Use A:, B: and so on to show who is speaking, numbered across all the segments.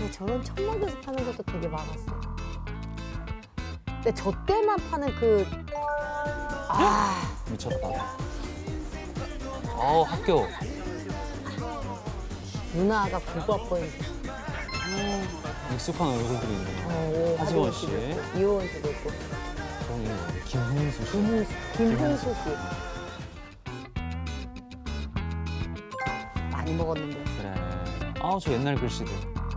A: 저런 천막에서 파는 것도 되게 많았어. 근데 저 때만 파는 그
B: 미쳤다. 학교.
A: 누나가 국어학번이
B: 익숙한 얼굴들이 있네요. 하지원 씨.
A: 이호원 씨도 있고.
B: 김흥수 씨.
A: 김흥수 씨. 많이 먹었는데.
B: 그래. 저 옛날 글씨들.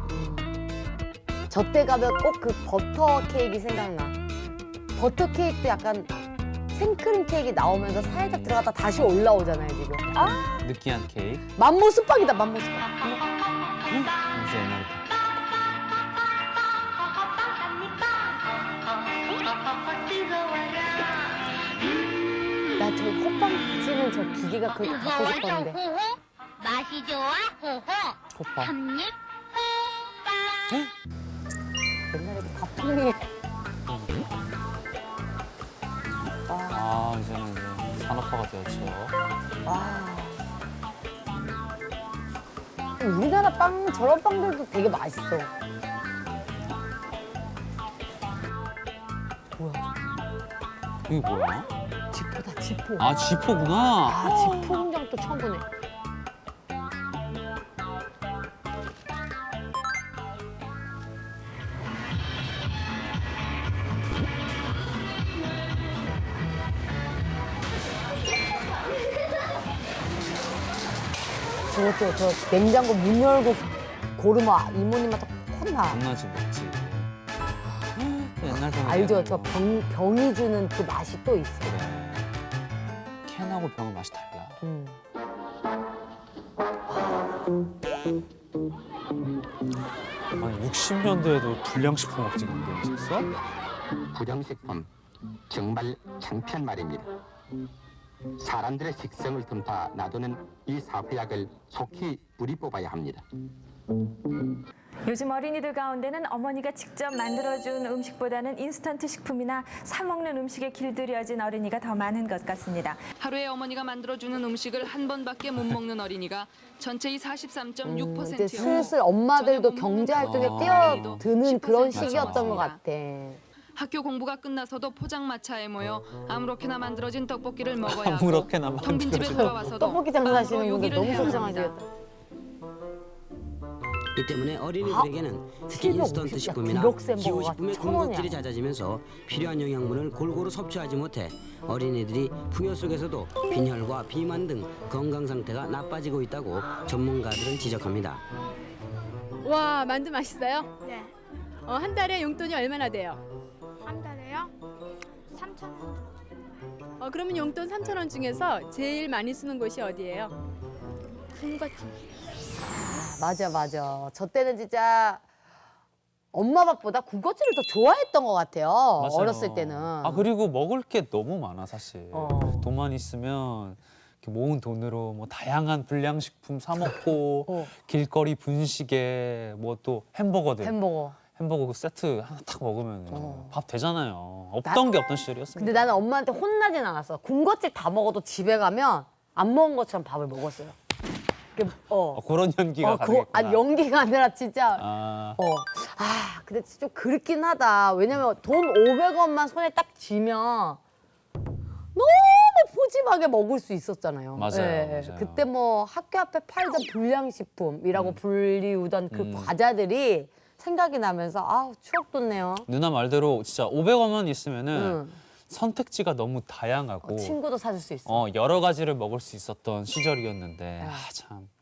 A: 저 때 가면 꼭 그 버터 케이크 생각나. 버터 케이크도 약간 생크림 케이크 나오면서 살짝 들어갔다 다시 올라오잖아요, 지금.
B: 느끼한 케이크.
A: 맘모 수박이다, 맘모 수박.
B: 진짜 옛날에.
A: 나 저 호빵 찌는 저 기계가 그렇게 갖고 싶었는데.
C: 맛이 좋아 호호
B: 호빵.
C: 한입
A: 옛날에 그 밥통이.
B: 이제는 이제 산업화가 되었죠.
A: 와. 우리나라 빵, 저런 빵들도 되게 맛있어. 뭐야?
B: 이게 뭐야?
A: 지포다, 지포.
B: 지포구나.
A: 지포 공장 또 처음 보네. 저것도 저 냉장고 문 열고 고르마 이모님한테 혼나.
B: 겁나지 먹지. 옛날 병.
A: 알죠? 저 병이 주는 그 맛이 또 있어.
B: 그래. 캔하고 병은 맛이 달라. 아니 60년대에도 불량식품 업체가 있었어?
D: 불량식품 정말 창피한 말입니다. 사람들의 식성을 틈타 놔두는 이 사후약을 속히 뿌리 뽑아야 합니다.
E: 요즘 어린이들 가운데는 어머니가 직접 만들어준 음식보다는 인스턴트 식품이나 사 먹는 음식에 길들여진 어린이가 더 많은 것 같습니다.
F: 하루에 어머니가 만들어주는 음식을 한 번밖에 못 먹는 어린이가 전체의
A: 이제
F: 43.6%였고
A: 슬슬 엄마들도 경제 활동에 뛰어드는 그런 시기였던 것 같아.
F: 학교 공부가 끝나서도 포장마차에 모여 아무렇게나 만들어진 떡볶이를 먹어야 하고
B: 아무렇게나
F: 텅빈 집에
B: 만들어진
F: 돌아와서도
A: 떡볶이 장사하시는
F: 빵으로
A: 분들
F: 요기를
A: 너무
F: 해야
A: 속상하시겠다.
F: 합니다.
G: 이 때문에 어린이들에게는 특히
A: 750
G: 인스턴트
A: 야,
G: 식품이나
A: 디럭스 햄버거가
G: 기호식품의
A: 1,000 원이야.
G: 군것질이 잦아지면서 필요한 영양분을 골고루 섭취하지 못해 어린이들이 풍요 속에서도 빈혈과 비만 등 건강 상태가 나빠지고 있다고 전문가들은 지적합니다.
H: 와, 만두 맛있어요?
C: 네.
H: 한 달에 용돈이 얼마나 돼요?
C: 한 달에요? 3,000원
H: 그러면 용돈 3,000원 중에서 제일 많이 쓰는 곳이 어디예요?
C: 군것질
A: 맞아. 저 때는 진짜 엄마 밥보다 군것질을 더 좋아했던 것 같아요.
B: 맞아요.
A: 어렸을 때는.
B: 그리고 먹을 게 너무 많아 사실.
A: 어.
B: 돈만 있으면 이렇게 모은 돈으로 뭐 다양한 불량식품 사 먹고 길거리 분식에 뭐 또 햄버거들. 햄버거 그 세트 하나 탁 먹으면 밥 되잖아요. 없던 게 없던 시절이었습니다.
A: 근데 나는 엄마한테 혼나진 않았어. 군것질 다 먹어도 집에 가면 안 먹은 것처럼 밥을 먹었어요.
B: 그런 연기가 가능했구나.
A: 아니 연기가 아니라 진짜
B: 아,
A: 근데 진짜 좀 그렇긴 하다. 왜냐면 돈 500원만 손에 딱 쥐면 너무 푸짐하게 먹을 수 있었잖아요.
B: 맞아요.
A: 그때 뭐 학교 앞에 팔던 불량식품이라고 불리우던 그 과자들이 생각이 나면서 추억 돋네요.
B: 누나 말대로 진짜 500원만 있으면은 선택지가 너무 다양하고
A: 친구도 사줄 수 있어.
B: 여러 가지를 먹을 수 있었던 시절이었는데 참